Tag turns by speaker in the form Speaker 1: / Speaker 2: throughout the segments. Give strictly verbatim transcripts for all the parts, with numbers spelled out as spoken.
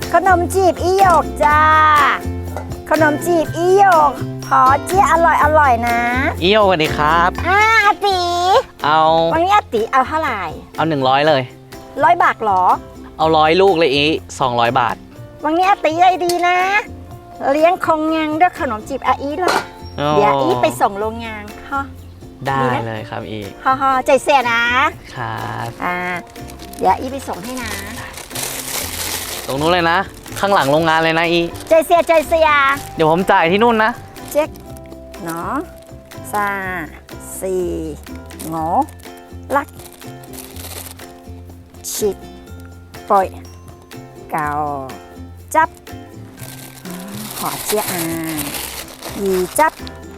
Speaker 1: ขนมจีบอีหยกจ้าขนมจีบอีหยกขอเจี๊ยอร่อยอร่อยนะ
Speaker 2: อีโยสวัสดีครับ
Speaker 1: อ่าอาติ
Speaker 2: เอา
Speaker 1: วันนี้อาติเอาเท่าไหร่
Speaker 2: เอาหนึ่งร้อยเลย
Speaker 1: ร้อยบาทหรอ
Speaker 2: เอาร้อยลูกเลยอีสองร้อยบาท
Speaker 1: วันนี้อาติใจดีนะเลี้ยงคงงานด้วยขนมจีบอาอีเลยเดี๋ยวอีไปส่งโรงงานฮะ
Speaker 2: ได้เลยครับอี
Speaker 1: ฮ่าฮ่าใจเสียนะครับอ่าเดี๋ยวอีไปส่งให้นะ
Speaker 2: ตรงนู้นเลยนะข้างหลังโรงงานเลยนะอี
Speaker 1: ใจเสียใจเสีย
Speaker 2: เดี๋ยวผมจ่ายที่นู่นนะ
Speaker 1: เจ๊กเนาะซาสี่งอลักชิดปล่อยเก่าจับขอเจี๊ยอายีจับ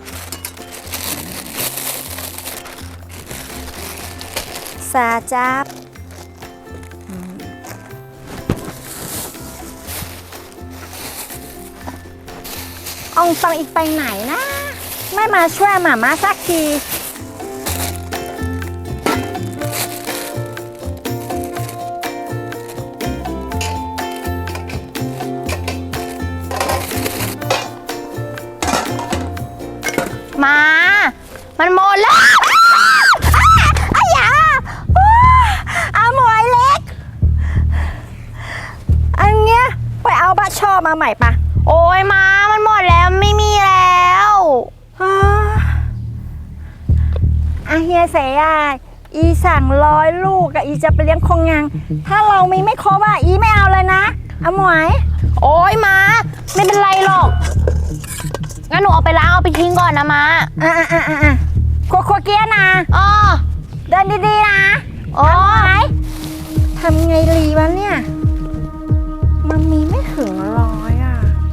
Speaker 1: ซาจับอองตองอีกไปไหนนะไม่มาช่วยหมาม่าสักที
Speaker 3: มามันหมดแล้ว
Speaker 1: อ้ายาเอาหมวยเล็กอันเนี้ยไปเอาบะช่อมาใหม่ปะ
Speaker 3: โอ้ยมามันหมดแล้วไม่มีแล้ว
Speaker 1: อาเฮียเสียอีสั่งร้อยลูกอะอีจะไปเลี้ยงคงงานถ้าเรามีไม่ครบอะอีไม่เอาเลยนะเอาหมวย
Speaker 3: โอ้ยมาไม่เป็นไรหรอกงั้นหนูเอาไปล้างเอาไปทิ้งก่อนนะมา
Speaker 1: อ่ะอ่ะอ่ะอ่ะโคโคเกียนะ
Speaker 3: อ๋อ
Speaker 1: เดินดีๆนะ
Speaker 3: อ๋อ
Speaker 1: ทำไงรีวะเนี่ยมันมีไม่ถึงร้อยอ่ะ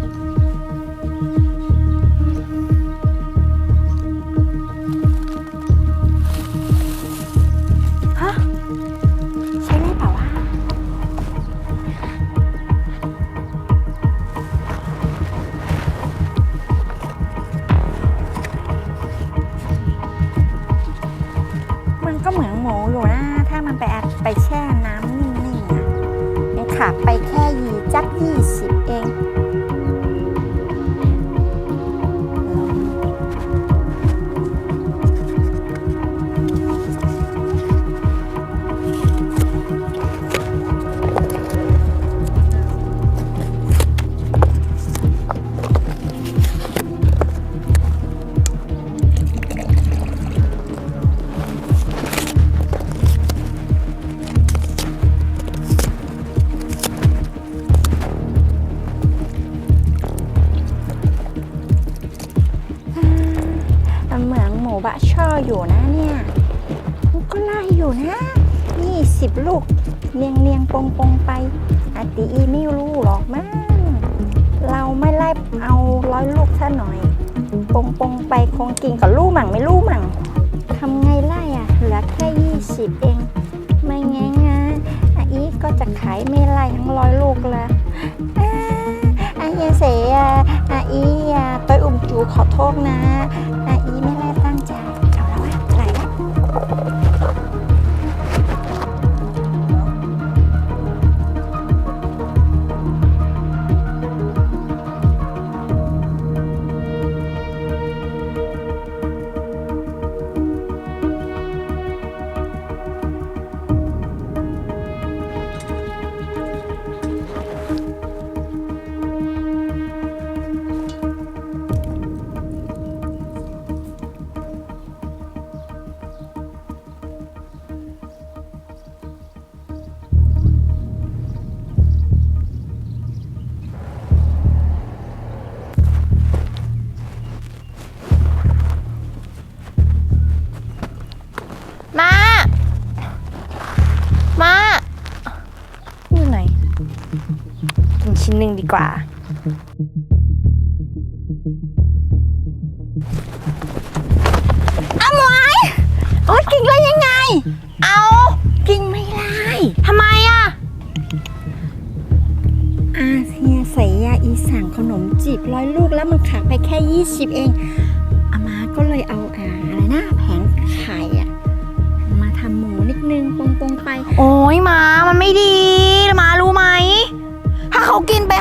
Speaker 1: ฮะใช่ได้เปล่าวะมันก็เหมือนหมูอยู่นะถ้ามันไปอัดไปแช่น้ำนิ่งๆอ่ะยังขาดไปแค่ยีจักยี่สิบเองเหมือนหมูบะช่ออยู่นะเนี่ยมันก็ไล่อยู่นะยี่สิบลูกเนียงเนียงปงปงไปอาตีอีไม่รู้หรอกมั้งเราไม่ไล่เอาร้อยลูกซะหน่อยปงปงไปคงกินกับลูกหมั่งไม่ลูกหมั่งทำไงไล่อ่ะเหลือแค่ยี่สิบเองไม่ไงงะอาอีก็จะขายไม่ไล่ทั้งร้อยลูกละอาเฮียเสียอาอีตัวอุ่มจูขอโทษนะอาอีไม่ได้ตั้งใจเอาแล้ววะไหลแล้ว
Speaker 3: มามาอยู่ไหนกินชิ้นหนึ่งดีกว่า
Speaker 1: เอาหมวยโอ๊ยกินได้ยังไง
Speaker 3: เอา
Speaker 1: กินไม่ได้
Speaker 3: ทำไมอ่ะ
Speaker 1: อาเฮียใส่ยาอีสั่งขนมจีบร้อยลูกแล้วมันขาดไปแค่ยี่สิบเองอามาก็เลยเอาอ่าอะไรนะแผงไข่อะมาทำหมูนิดนึงปงๆไป
Speaker 3: โอ้ยมามันไม่ดีมารู้ไหมถ้าเขากินไป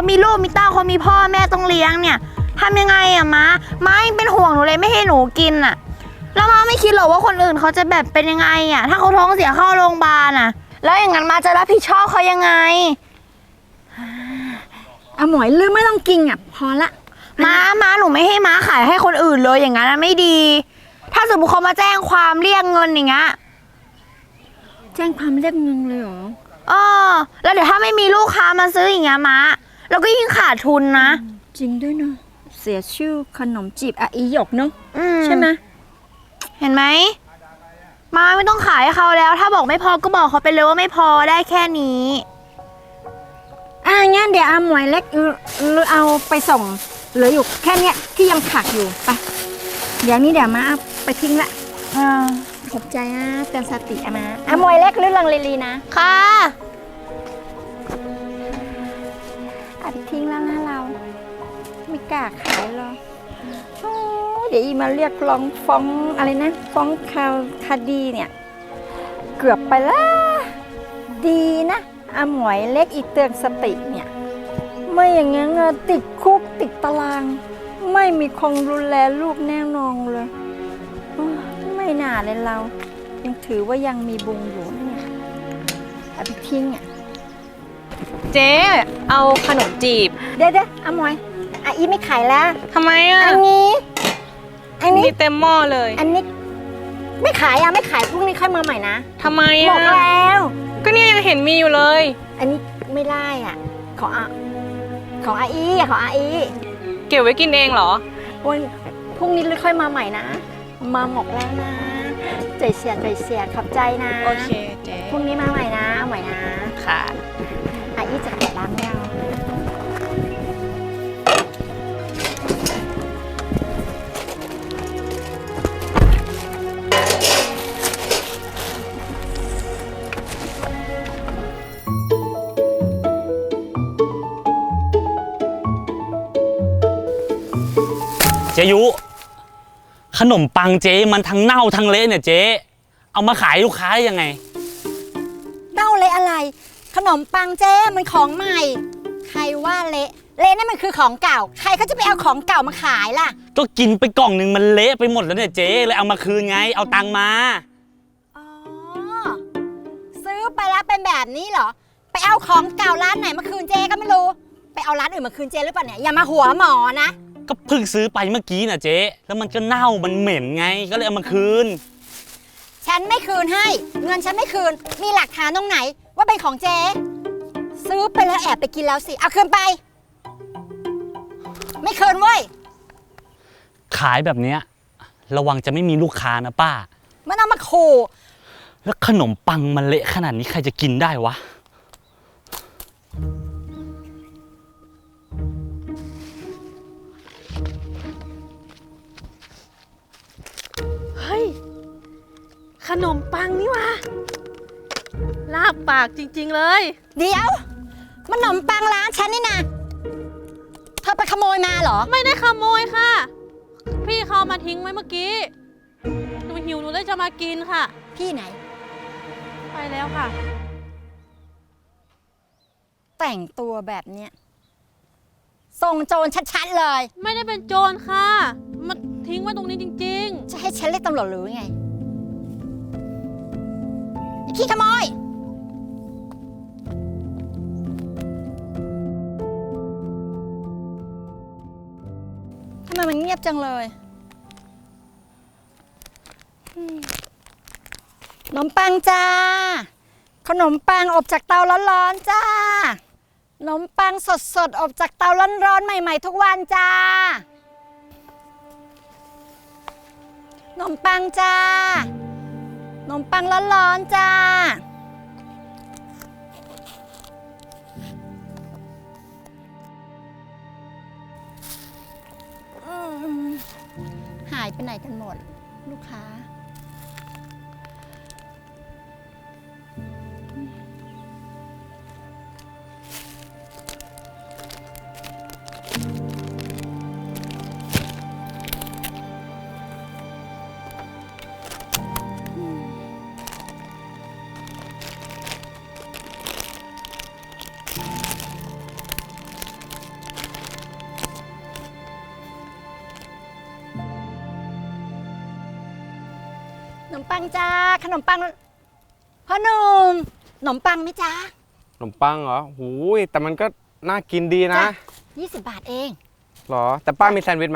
Speaker 3: เขามีลูกมีเต้าเขามีพ่อแม่ต้องเลี้ยงเนี่ยทำยังไงอะม้าม้ายังเป็นห่วงหนูเลยไม่ให้หนูกินอะแล้วม้าไม่คิดหรอกว่าคนอื่นเขาจะแบบเป็นยังไงอะถ้าเขาท้องเสียเข้าโรงพยาบาลอะแล้วอย่างนั้นม้าจะรับผิดชอบเขายังไง
Speaker 1: เอาหมวยลืมไม่ต้องกินอ่ะพอละ
Speaker 3: ม้าม้าหนูไม่ให้ม้าขายให้คนอื่นเลยอย่างนั้นนะไม่ดี ถ้าสมมติเขามาแจ้งความเรียกเงินอย่างเงี้ย
Speaker 1: แจ้งความเรียกเงินเลยเหรอ
Speaker 3: เออแล้วเดี๋ยวถ้าไม่มีลูกค้ามาซื้ออย่างเงี้ยม้าเราก็ยิ่งขาดทุนนะ
Speaker 1: จริงด้วยเนาะเสียชื่อขนมจีบอาอีหยกเนาะ
Speaker 3: อื
Speaker 1: ใช่ไหม
Speaker 3: เห็นไหมม้าไม่ต้องขายให้เขาแล้ว ถ้าบอกไม่พอก็บอกเขาไปเลยว่าไม่พอได้แค่นี้
Speaker 1: อ่ะงั้นเดี๋ยวเอาหมวยเล็กหรือเอาไปส่งเหลืออยู่แค่เนี้ยที่ยังขาดอยู่ไปเดี๋ยวนี้เดี๋ยวมาเอาไปทิ้งละ
Speaker 3: อ่า
Speaker 1: ขอบใจนะเตือนสติอะมาอ่ะหมวยเล็กหรือลังเลลีนะ
Speaker 3: ค่ะ
Speaker 1: เอาไปทิ้งแล้วนะเราไม่กล้าขายหรอกโอ้เดี๋ยวอีมาเรียกร้องฟ้องอะไรนะฟ้องคาวคดีเนี่ยเกือบไปละดีนะอาหมวยเล็กอีเตือนสติเนี่ยไม่อย่างงั้นอะติดคุกติดตาราง ไม่มีคงดูแลลูกแน่นอนเลยโอ้ไม่น่าเลยเรา ยังถือว่ายังมีบุญอยู่นะเนี่ยเอาไปทิ้งอ่ะ
Speaker 4: เจ๊เอาขนมจีบ
Speaker 1: เดี๋ยวเดี๋ยวอาหมวยอ่ะอีไม่ขายแล้ว
Speaker 4: ทำไมอ่ะ
Speaker 1: อันนี้อันนี้
Speaker 4: มีเต็มหม้อเลย
Speaker 1: อันนี้ไม่ขายอ่ะไม่ขายพรุ่งนี้ค่อยมาใหม่นะ
Speaker 4: ทำไม
Speaker 1: บ
Speaker 4: อ่ะ
Speaker 1: อกแล้ว
Speaker 4: ก็เนี่ยยังเห็นมีอยู่เลย
Speaker 1: อันนี้ไม่ได้อ่ะของอาของอาอีอ่ะของอาอี
Speaker 4: เก็บไว้กินเองเหรอ
Speaker 1: วันพรุ่งนี้ค่อยมาใหม่นะ มาหมกแล้วนะใจเสียใจเสียขอบใจนะ
Speaker 4: โอเคเจ๊
Speaker 1: พรุ่งนี้มาใหม่นะเอาใหม่นะ
Speaker 4: ค่ะ
Speaker 1: อาอีจะเปิดร้านไม่เอา
Speaker 5: เจยุขนมปังเจ๊มันทั้งเน่าทั้งเละเนี่ยเจ๊เอามาขายลูกค้าได้ยังไง
Speaker 1: เน่าเละอะไร ขนมปังเจ้มันของใหม่ ใครว่าเละเละนั่นมันคือของเก่า ใครเขาจะไปเอาของเก่ามาขายล่ะ
Speaker 5: ก็กินไปกล่องหนึ่งมันเละไปหมดแล้วเนี่ยเจ๊เลยเอามาคืนไงเอาตังค์มา
Speaker 1: อ๋อ ซื้อไปแล้วเป็นแบบนี้เหรอ ไปเอาของเก่าร้านไหนมาคืนเจก็ไม่รู้ ไปเอาร้านอื่นมาคืนเจหรือเปล่าเนี่ยอย่ามาหัวหมอนะ
Speaker 5: ก็เพิ่งซื้อไปเมื่อกี้น่ะเจ๊แล้วมันก็เน่ามันเหม็นไงก็เลยเอามาคืน
Speaker 1: ฉันไม่คืนให้ เงินฉันไม่คืน มีหลักฐานตรงไหน ว่าเป็นของเจ ซื้อไปแล้วแอบไปกินแล้วสิ เอาคืนไป ไม่คืนเว้ย
Speaker 5: ขายแบบเนี้ยระวังจะไม่มีลูกค้านะป้า
Speaker 1: มันเอามาขู่
Speaker 5: แล้วขนมปังมันเละขนาดนี้ใครจะกินได้วะ
Speaker 4: เฮ้ย ขนมปังนี่วะลาบปากจริงๆเลย
Speaker 1: เดี๋ยว มันขนมปังร้านฉันนี่นะเธอไปขโมยมาเหรอ
Speaker 4: ไม่ได้ขโมยค่ะ พี่เขาเอามาทิ้งไว้เมื่อกี้ หนูหิวหนูเลยจะมากินค่ะ
Speaker 1: พี่ไหน
Speaker 4: ไปแล้วค่ะ
Speaker 1: แต่งตัวแบบเนี้ยส่งโจรชัดๆเลย
Speaker 4: ไม่ได้เป็นโจรค่ะ มาทิ้งไว้ตรงนี้จริง
Speaker 1: จะให้ฉันเรียกตำรวจหรือไงไอ้ขี้ขโมย ทำไมมันเงียบจังเลยอืมขนมปังจ้า ขนมปังอบจากเตาร้อนๆจ้า ขนมปังสดๆอบจากเตาร้อนๆใหม่ๆทุกวันจ้า ขนมปังจ้า ขนมปังร้อนๆจ้า อืมหายไปไหนกันหมด ลูกค้ามปังจ้าขนมปังพ่อหนุ่มขนมปังไหมจ้า
Speaker 6: ขนมปังเหรอหูยแต่มันก็น่ากินดีนะ
Speaker 1: จ้ะยี่สิบบาทเอง
Speaker 6: หรอ แต่ป้ามีแซนด์วิชไหม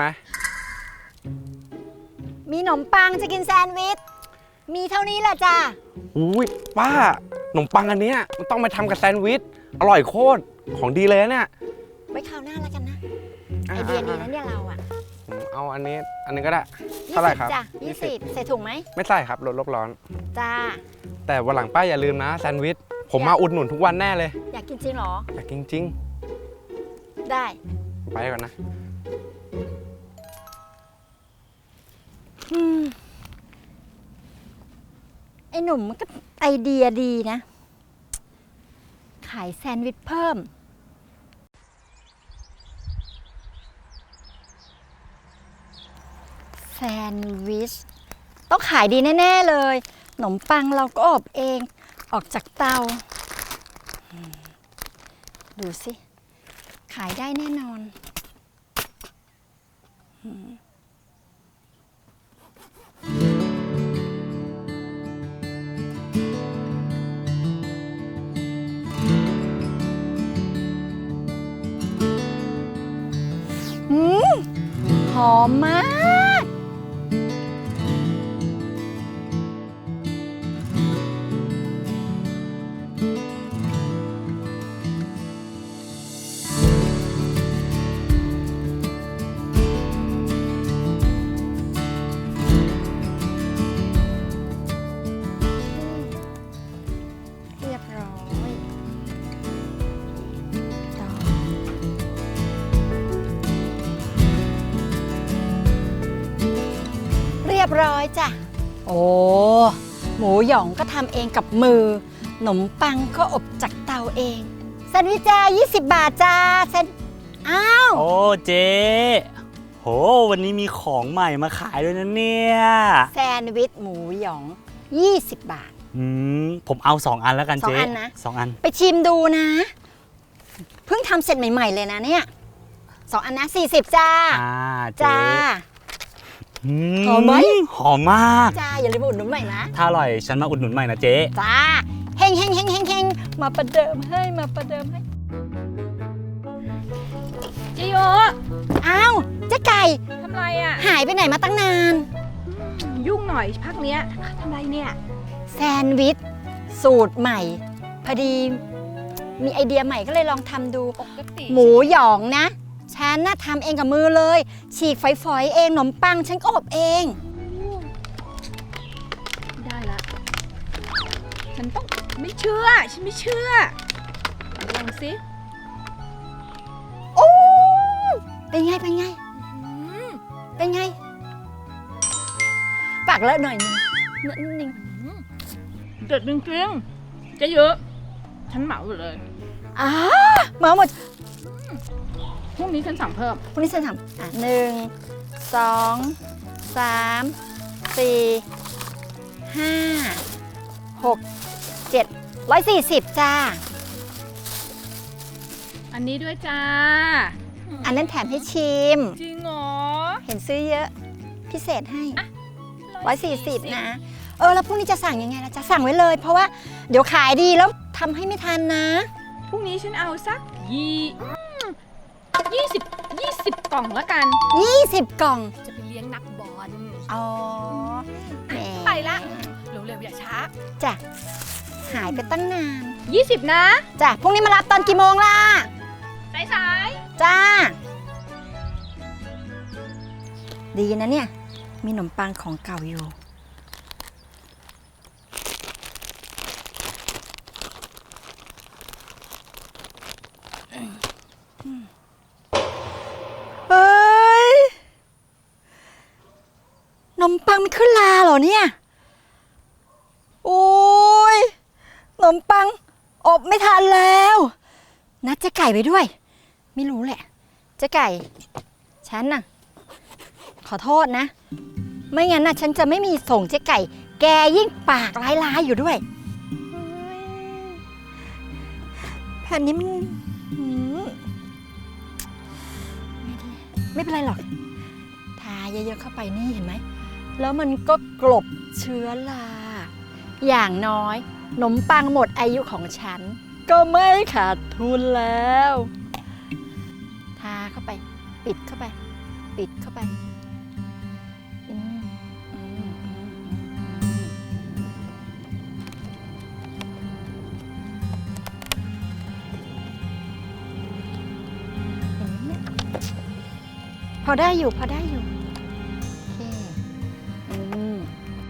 Speaker 1: มีขนมปังจะกินแซนด์วิชมีเท่านี้แหละจ้า
Speaker 6: หูยป้าขนมปังอันเนี้ยมันต้องไปทำกับแซนด์วิชอร่อยโคตรของดีเลยนะเนี่ย
Speaker 1: ไว้คราวหน้าแล้วกันนะไอเดียดีนะเนี่ยเราอ่ะ
Speaker 6: ผมเอาอันนี้อันนี้ก็ได้เท่าไหร่ครับ
Speaker 1: จ้ะยี่สิบใส่ถุงไหม
Speaker 6: ไม่ใส่ครับลดโลกร้อน
Speaker 1: จ้า
Speaker 6: แต่วันหลังป้าอย่าลืมนะแซนด์วิชผมมาอุดหนุนทุกวันแน่เลย
Speaker 1: อยากกินจริงเหรอ
Speaker 6: อยากกินจริง
Speaker 1: ได้
Speaker 6: ไปก่อนนะ
Speaker 1: อืมไอหนุ่มมันก็ไอเดียดีนะ ขายแซนด์วิชเพิ่ม แซนด์วิช ต้องขายดีแน่ ๆ เลย ขนมปังเราก็อบเองออกจากเตาอืมดูสิ ขายได้แน่นอนอืมอืมหอมมาก เรียบร้อยต่อเรียบร้อยจ้ะ โอ้ หมูหยองก็ทำเองกับมือ ขนมปังก็อบจากเตาเองแซนด์วิชจ้ายี่สิบบาทจ้าแซนอ้าว
Speaker 5: โอ้เจ๊โหวันนี้มีของใหม่มาขายด้วยนะเนี่ย
Speaker 1: แซนด์วิชหมูหยองยี่สิบบาท
Speaker 5: อืมผมเอาสองอันแล้วกัน
Speaker 1: สอง
Speaker 5: เจ๊
Speaker 1: อันนะ
Speaker 5: สองอัน
Speaker 1: ไปชิมดูนะ เพิ่งทำเสร็จใหม่ ๆ เลยนะเนี่ยสองอันนะสี่สิบจ้า
Speaker 5: อ่าเจ๊
Speaker 1: จ้า
Speaker 5: อื
Speaker 1: หอมไหม
Speaker 5: หอมมาก
Speaker 1: จ้า อย่าลืมมาอุดหนุนใหม่นะ
Speaker 5: ถ้าอร่อยฉันมาอุดหนุนใหม่นะเจ๊
Speaker 1: จ้าเฮงเฮงเฮงเฮงเฮงมาประเดิมให้มาประเดิมให้
Speaker 4: เจโย
Speaker 1: อ้าวเจ๊ไก่
Speaker 4: ทำไรอ่ะ
Speaker 1: หายไปไหนมาตั้งนาน
Speaker 4: ยุ่งหน่อยพักเนี้ยทำไรเนี่ย
Speaker 1: แซนด์วิช สูตรใหม่ พอดีมีไอเดียใหม่ก็เลยลองทำดู
Speaker 4: ปกติ
Speaker 1: หมูหยองนะ ฉันน่ะทำเองกับมือเลย ฉีกฝอยๆเองขนมปังฉันก็อบเอง
Speaker 4: ได้ละ ฉันต้องไม่เชื่อ ฉันไม่เชื่อลองสิ
Speaker 1: โอ้เป็นไง เป็นไง เป็นไง ปากเลอะหน่อยนึงนิดนึง
Speaker 4: เด็ดจริงๆจะเยอะ ฉันเหมาหมดเลย
Speaker 1: อ้ามาหมด
Speaker 4: พรุ่งนี้ฉันสั่งเพิ่ม
Speaker 1: พวกนี้ฉันทำอ่ะหนึ่งสองสามสี่ห้าหกเจ็ดร้อยสี่สิบจ้า
Speaker 4: อันนี้ด้วยจ้า
Speaker 1: อันนั้นแถมให้ชิม
Speaker 4: จริงเหรอ
Speaker 1: เห็นซื้อเยอะ พิเศษให้ร้อยสี่สิบนะ เออ แล้วพรุ่งนี้จะสั่งยังไงล่ะจะสั่งไว้เลย เพราะว่าเดี๋ยวขายดีแล้วทำให้ไม่ทันนะ
Speaker 4: พรุ่งนี้ฉันเอาสักยี่ยี่สิบยี่สิบกล่องละกัน
Speaker 1: ยี่สิบกล่อง
Speaker 4: จะไปเลี้ยงนักบอล
Speaker 1: อ๋อแหม
Speaker 4: ไปละ เร็วๆอย่าช้า
Speaker 1: จ้ะหายไปตั้งนาน
Speaker 4: ยี่สิบนะ
Speaker 1: จ้ะพรุ่งนี้มารับตอนกี่โมงล่ะ
Speaker 4: สาย
Speaker 1: จ้า ดีนะเนี่ย มีขนมปังของเก่าอยู่ เฮ้ย ขนมปังไม่ขึ้นลาเหรอเนี่ย โอ้ย ขนมปังอบไม่ทันแล้ว นัดเจ๊ไก่ไปด้วย ไม่รู้แหละ เจ๊ไก่ ฉันน่ะ ขอโทษนะ ไม่งั้นน่ะ ฉันจะไม่มีส่งเจ๊ไก่ แกยิ่งปากร้ายๆอยู่ด้วยแผ่นนี้มันหืมไม่ดีไม่เป็นไรหรอก ทาเยอะๆเข้าไปนี่เห็นไหมแล้วมันก็กลบเชื้อรา อย่างน้อยขนมปังหมดอายุของฉัน ก็ไม่ขาดทุนแล้ว ทาเข้าไป ปิดเข้าไป ปิดเข้าไปอืมอืมอืมอืมเห็นไหมเนี่ยพอได้อยู่ พอได้อยู่ โอเคอืม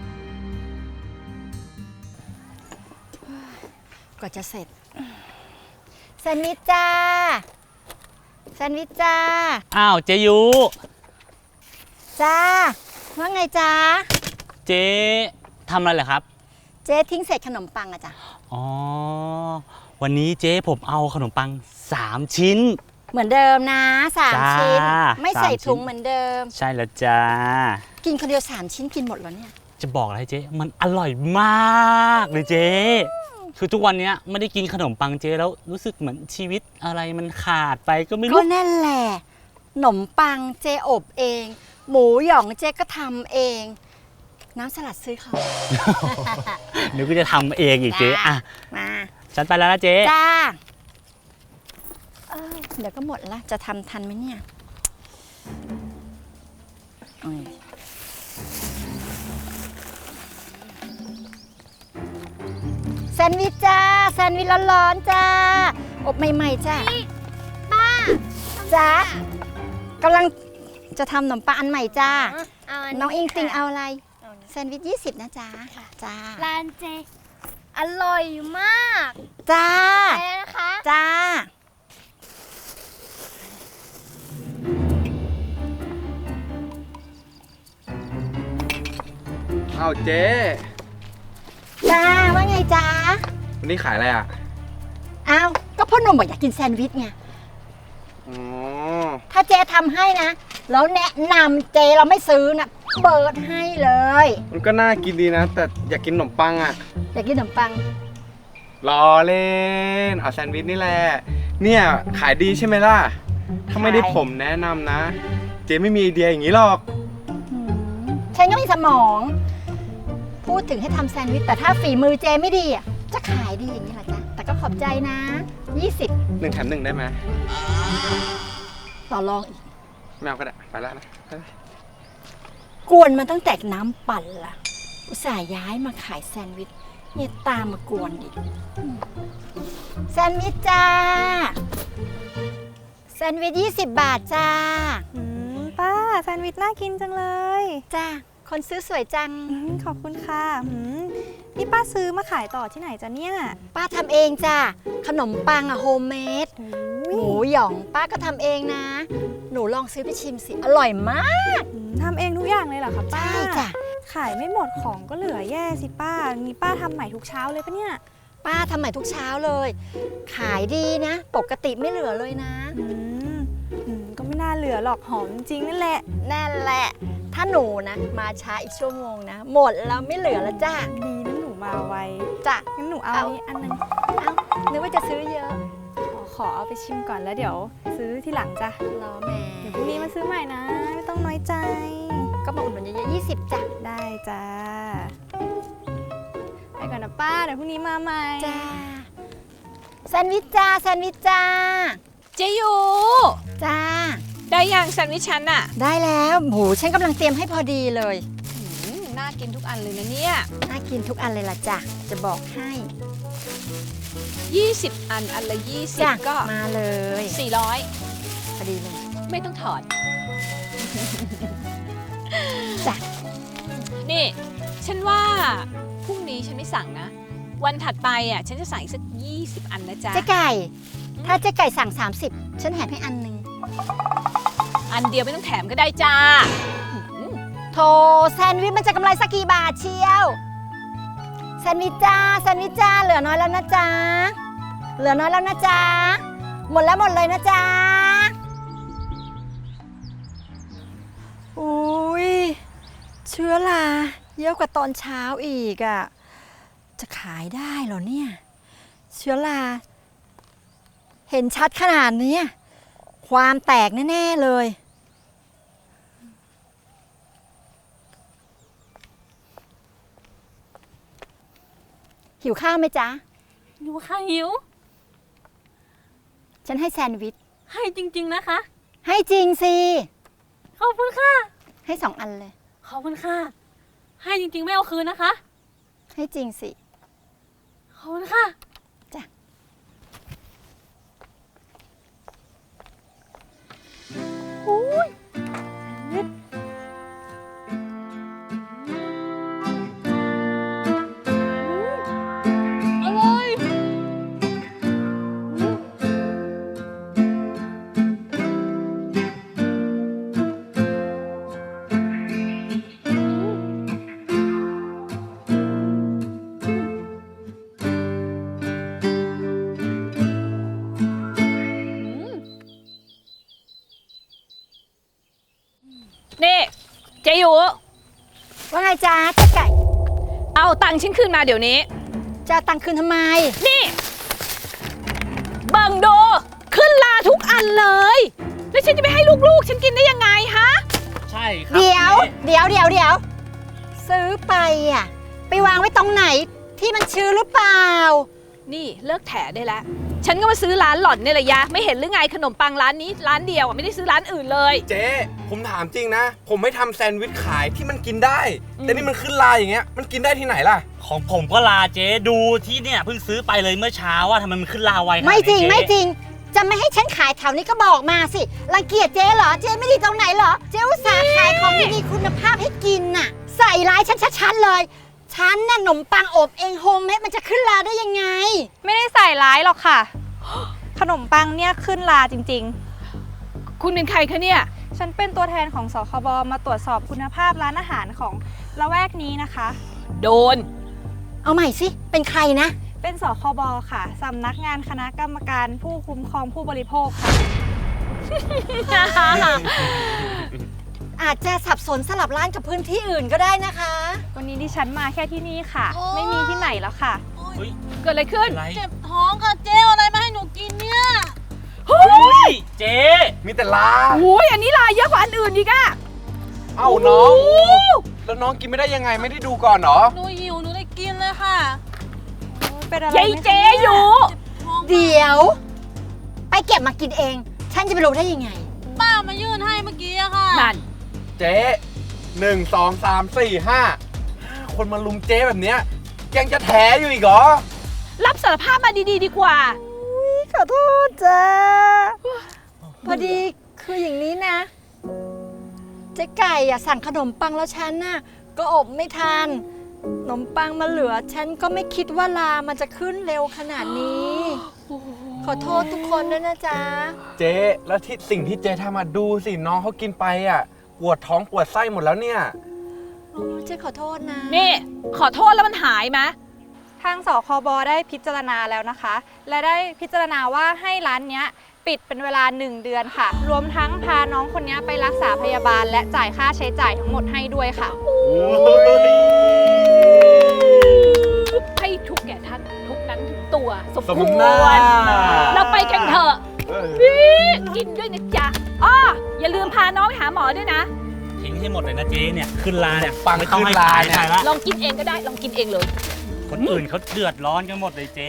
Speaker 1: กว่าจะเสร็จ แซนด์วิชจ้า แซนด์วิชจ้า
Speaker 5: อ้าวเจยุ
Speaker 1: จ้า ว่าไงจ้า
Speaker 5: เจ๊ทำอะไรเหรอครับ
Speaker 1: เจ๊ทิ้งเศษขนมปังอะจ้ะ
Speaker 5: อ๋อ วันนี้เจ๊ผมเอาขนมปังสามชิ้น
Speaker 1: เหมือนเดิมนะสาม
Speaker 5: จ้า
Speaker 1: ชิ้น ไม่ใส่
Speaker 5: สามชิ้น
Speaker 1: ถุงเหมือนเดิม
Speaker 5: ใช่แล้วจ้า
Speaker 1: กินคนเดียวสามชิ้นกินหมดแล้วเนี่ย
Speaker 5: จะบอกอะไรเจ๊มันอร่อยมากเลยเจ๊คือทุกวันเนี้ยไม่ได้กินขนมปังเจ๊แล้วรู้สึกเหมือนชีวิตอะไรมันขาดไปก็ไม่
Speaker 1: ก็
Speaker 5: รู้
Speaker 1: นั่นแหละขนมปังเจ๊อบเอง หมูหยองเจ๊ก็ทำเอง น้ำสลัดซื้อเขา
Speaker 5: เดี๋ยวก็จะทำเองอีกเจ๊อ่ะ
Speaker 1: มา
Speaker 5: ฉันไปแล้วนะเจ๊
Speaker 1: จ้าเอ้ยเดี๋ยวก็หมดละจะทำทันไหมเนี่ยโอ้ยแซนด์วิชจ้า แซนด์วิชร้อนๆจ้า อบใหม่ๆจ้าป้าจ้ากำลังจะทำขนมปังอันใหม่จ้า น้องอิงติงเอาอะไร แซนด์วิชยี่สิบนะจ้าจ้า
Speaker 3: ร้านเจ อร่อยมาก
Speaker 1: จ้า
Speaker 3: ไปแล้วนะคะ
Speaker 1: จ้า
Speaker 6: อ้าวเจ๊
Speaker 1: จ้า ว่าไงจ้า
Speaker 6: วันนี้ขายอะไรอ่ะ
Speaker 1: อ้าว ก็พ่อหนุ่มบอกอยากกินแซนด์วิชไง
Speaker 6: อ๋อ
Speaker 1: ถ้าเจทำให้นะ แล้วแนะนำเจเราไม่ซื้อนะเปิดให้เลย
Speaker 6: มันก็น่ากินดีนะ แต่อยากกินขนมปังอ่ะ
Speaker 1: อยากกินขนมปัง
Speaker 6: รอเล่น เอาแซนด์วิชนี่แหละ เนี่ยขายดีใช่ไหมล่ะ ถ้าไม่ได้
Speaker 1: ขาย
Speaker 6: ผมแนะนำนะ เจ๊ไม่มีไอเดียอย่างนี้หรอก
Speaker 1: อืมฉันก็มีสมอง พูดถึงให้ทำแซนด์วิช แต่ถ้าฝีมือเจไม่ดีอ่ะ จะขายดีอย่างนี้เหรอจ๊ะ แต่ก็ขอบใจนะ ยี่สิบ
Speaker 6: หนึ่งแถมหนึ่งได้ไหม
Speaker 1: ต่อรองอีก
Speaker 6: ไม่เอาก็ได้ ไปแล้วนะไปแล้ว
Speaker 1: กวนมาตั้งแต่น้ำปั่นละอุตส่าห์ย้ายมาขายแซนด์วิชเนี่ยตามมากวนดิอืมแซนด์วิชจ้า แซนด์วิชยี่สิบบาทจ้า
Speaker 7: อืมป้าแซนด์วิชน่ากินจังเลย
Speaker 1: จ้า คนซื้อสวยจัง
Speaker 7: อืมขอบคุณค่ะอืมนี่ป้าซื้อมาขายต่อที่ไหนจ๊ะเนี่ย
Speaker 1: ป้าทำเองจ้า ขนมปังอะโฮมเมด
Speaker 7: โอ้
Speaker 1: ห
Speaker 7: ย
Speaker 1: มูหยองป้าก็ทำเองนะ หนูลองซื้อไปชิมสิ อร่อยมาก
Speaker 7: อืมทำเองทุกอย่างเลยเหรอคะป้า
Speaker 1: ใช่จ้ะ
Speaker 7: ขายไม่หมดของก็เหลือแย่สิป้านี่ป้าทำใหม่ทุกเช้าเลยปะเนี่ย
Speaker 1: ป้าทำใหม่ทุกเช้าเลย ขายดีนะ ปกติไม่เหลือเลยนะ
Speaker 7: อืมอืมก็ไม่น่าเหลือหรอกหอมจริงนั่นแหละ
Speaker 1: นั่นแหละ ถ้าหนูนะ มาช้าอีกชั่วโมงนะ หมดแล้วไม่เหลือแล้วจ้า
Speaker 7: ดีนะหนูมาไว
Speaker 1: จ้ะ
Speaker 7: งั้นหนูเอา
Speaker 1: เอา
Speaker 7: อันนี้อันนึง
Speaker 1: เอ้านึกว่าจะซื้อเยอะ
Speaker 7: ขอขอเอาไปชิมก่อนแล้วเดี๋ยว ซื้อที่หลังจ้ะ
Speaker 1: รอแหม่
Speaker 7: เดี๋ยวพรุ่งนี้มาซื้อใหม่นะ ไม่ต้องน้อยใจ
Speaker 1: ก็มาอุดหนุนเยอะๆยี่สิบจ้ะ
Speaker 7: ได้จ้าไปก่อนนะป้าเดี๋ยวพรุ่งนี้มาใหม่
Speaker 1: จ้า แซนด์วิชจ้า แซนด์วิชจ้า
Speaker 4: เจยู
Speaker 1: จ้า
Speaker 4: ได้ยังแซนด์วิชฉันอะ
Speaker 1: ได้แล้วโหฉันกำลังเตรียมให้พอดีเลย
Speaker 4: อืมน่ากินทุกอันเลยนะเนี่ย
Speaker 1: น่ากินทุกอันเลยล่ะจ้ะ จะบอกให้
Speaker 4: ยี่สิบอันอันละยี่สิบ
Speaker 1: จ้ะ
Speaker 4: ก็
Speaker 1: มาเลย
Speaker 4: สี่ร้อย
Speaker 1: พอดีเลย
Speaker 4: ไม่ต้องถอด
Speaker 1: จ้ะ
Speaker 4: นี่ ฉันว่าพรุ่งนี้ฉันไม่สั่งนะ วันถัดไปอ่ะฉันจะสั่งอีกสักยี่สิบอันนะจ๊ะ
Speaker 1: เจ๊ไก่ ถ้าเจ๊ไก่สั่ง สามสิบ ฉันแถมให้อันหนึ่ง
Speaker 4: อันเดียวไม่ต้องแถมก็ได้จ้า
Speaker 1: โถแซนด์วิชมันจะกำไรสักกี่บาทเชียว แซนด์วิชจ้า แซนด์วิชจ้า เหลือน้อยแล้วนะจ๊ะ เหลือน้อยแล้วนะจ๊ะ หมดแล้วหมดเลยนะจ๊ะ อุ้ยเชื้อราเยอะกว่าตอนเช้าอีกอะ่ะ จะขายได้เหรอเนี่ย เชื้อราเห็นชัดขนาดนี้ ความแตกแน่ ๆ เลยหิวข้าวไหมจ๊ะ
Speaker 4: หิวค่ะหิว
Speaker 1: ฉันให้แซนด์วิช
Speaker 4: ให้จริง ๆนะคะ
Speaker 1: ให้จริงสิ
Speaker 4: ขอบคุณค่ะ
Speaker 1: ให้สองอันเลย
Speaker 4: ขอบคุณค่ะ ให้จริง ๆ ไม่เอาคืนนะคะ
Speaker 1: ให้จริงสิ
Speaker 4: ขอบคุณค่ะ
Speaker 1: จ้ะ
Speaker 4: อร่อย นี่เจยู
Speaker 1: ว่าไงจ๊ะเจ๊ไก่
Speaker 4: เอาตังค์ฉันคืนมาเดี๋ยวนี้
Speaker 1: จะเอาตังค์คืนทำไม
Speaker 4: นี่เบิ่งดูขึ้นลาทุกอันเลย แล้วฉันจะไปให้ลูกๆ ฉันกินได้ยังไงฮะ
Speaker 5: ใช่ครับ
Speaker 1: เดี๋ยว
Speaker 5: จ๊
Speaker 1: เดี๋ยวเดี๋ยวเดี๋ยว ซื้อไปอ่ะ ไปวางไว้ตรงไหนที่มันชื้นหรือเปล่า
Speaker 4: นี่เลิกแถได้แล้ว ฉันก็มาซื้อร้านหล่อนนี่แหละยะ ไม่เห็นหรือไงขนมปังร้านนี้ร้านเดียวอ่ะไม่ได้ซื้อร้านอื่นเลย
Speaker 6: เจ๊ผมถามจริงนะ ผมไม่ทำแซนด์วิชขายที่มันกินได้
Speaker 4: อืม
Speaker 6: แต่นี่มันขึ้นลายอย่างเงี้ยมันกินได้ที่ไหนล่ะ
Speaker 5: ของผมก็ลาเจ๊ดูที่เนี่ยเพิ่งซื้อไปเลยเมื่อเช้าว่าทำไมมันขึ้นลาไวขนาดนี้
Speaker 1: ไม่จริง
Speaker 5: เจ๊
Speaker 1: ไม่จริง จะไม่ให้ฉันขายแถวนี้ก็บอกมาสิรังเกียจเจ๊เหรอ เจ๊ไม่ดีตรงไหนเหรอ เจ๊อุตส่าห์ขายของดีๆคุณภาพให้กินน่ะ ใส่ร้ายฉันชัดๆเลย ฉันน่ะขนมปังอบเองโฮมเมดมันจะขึ้นราได้ยังไง
Speaker 7: ไม่ได้ใส่ร้ายหรอกค่ะ ขนมปังเนี่ยขึ้นลาจริง
Speaker 4: คุณเป็นใครคะเนี่ย
Speaker 7: ๆ ฉันเป็นตัวแทนของสคบมาตรวจสอบคุณภาพร้านอาหารของละแวกนี้นะคะ
Speaker 4: โดน
Speaker 1: เอาใหม่สิ เป็นใครนะ
Speaker 7: เป็นสคบค่ะสำนักงานคณะกรรมการผู้คุ้มครองผู้บริโภคค่ะ
Speaker 1: อาจจะสับสนสลับร้านกับพื้นที่อื่นก็ได้นะคะ
Speaker 7: วันนี้ดิฉันมาแค่ที่นี่ค่ะ ไม่มีที่ไหนแล้วค่ะ
Speaker 5: เฮ้ย
Speaker 4: เกิดอะไรขึ้น
Speaker 5: อะไร
Speaker 4: เจ็บท้องค่ะเจ๊อะไรมาให้หนูกินเนี่ย
Speaker 5: เฮ้ยเจ๊
Speaker 6: มีแต่ลา
Speaker 4: โอ้ยอันนี้ลายเยอะกว่าอันอื่นอีกอะ
Speaker 6: เอ้าน้อง แล้วน้องกินไม่ได้ยังไงไม่ได้ดูก่อนเหรอ
Speaker 4: หนูหิวหนูได้กินเลยค่ะ
Speaker 7: เป็นอะไร
Speaker 4: ยาย
Speaker 7: ไหมคะ
Speaker 4: เจ๊
Speaker 7: นี่
Speaker 4: อยู่
Speaker 1: เดี๋ยว ไปเก็บมากินเอง ฉันจะไปรู้ได้ยังไง
Speaker 4: ป้ามายื่นให้เมื่อกี้อะค่ะนั่น
Speaker 6: เจ๊หนึ่งสองสามสี่ห้าห้าคนมาลุมเจ๊แบบเนี้ยยังจะแถอยู่อีกเหรอ
Speaker 4: รับสารภาพมาดีๆ ดีกว่า
Speaker 1: ขอโทษจ้าพอดีคืออย่างนี้นะ เจ๊ไก่อะสั่งขนมปังแล้วฉันน่ะก็อบไม่ทันขนมปังมาเหลือ ฉันก็ไม่คิดว่าลามันจะขึ้นเร็วขนาดนี้ ขอโทษทุกคนด้วยนะจ๊ะ
Speaker 6: เจ๊แล้วที่สิ่งที่เจ๊ทำมาดูสิน้องเขากินไปอ่ะปวดท้องปวดไส้หมดแล้วเนี่ย
Speaker 1: โอ้เจ๊ขอโทษนะ
Speaker 4: นี่ ขอโทษแล้วมันหายไหม
Speaker 7: ทางสคบได้พิจารณาแล้วนะคะ และได้พิจารณาว่าให้ร้านเนี้ยปิดเป็นเวลาหนึ่งเดือนค่ะ รวมทั้งพาน้องคนนี้ไปรักษาพยาบาล และจ่ายค่าใช้จ่ายทั้งหมดให้ด้วยค่ะ
Speaker 4: ให้ทุกแก่ท่านทุกนั้นถึงตัวสม
Speaker 6: สม
Speaker 4: คว
Speaker 6: น้าร
Speaker 4: เราไปกันเถอะ
Speaker 6: เออ
Speaker 4: กินด้วยนะจ๊ะอ้ออย่าลืมพาน้องไปหาหมอด้วยนะ
Speaker 5: ทิ้งให้หมดเลยนะเจ๊เนี่ยขึ้นลาเนี่ย
Speaker 6: ปัง
Speaker 5: ไม่ต้องให้
Speaker 6: ขึ้นลา
Speaker 5: ขาย
Speaker 6: เนี่ย
Speaker 5: ใครละ
Speaker 4: ลองกินเองก็ได้ ลองกินเองเลย
Speaker 5: คนอื่นเขาเดือดร้อนกันหมดเลยเจ๊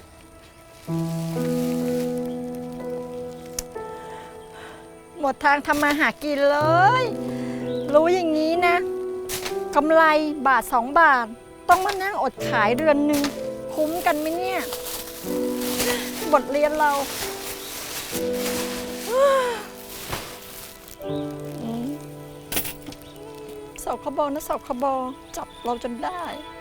Speaker 1: หมดทางทำมาหากินเลย รู้อย่างนี้นะกำไรบาทสองบาท ต้องมานั่งอดขายเดือนหนึ่งคุ้มกันไหมเนี่ย บทเรียนเราสคบนะสคบจับเราจนได้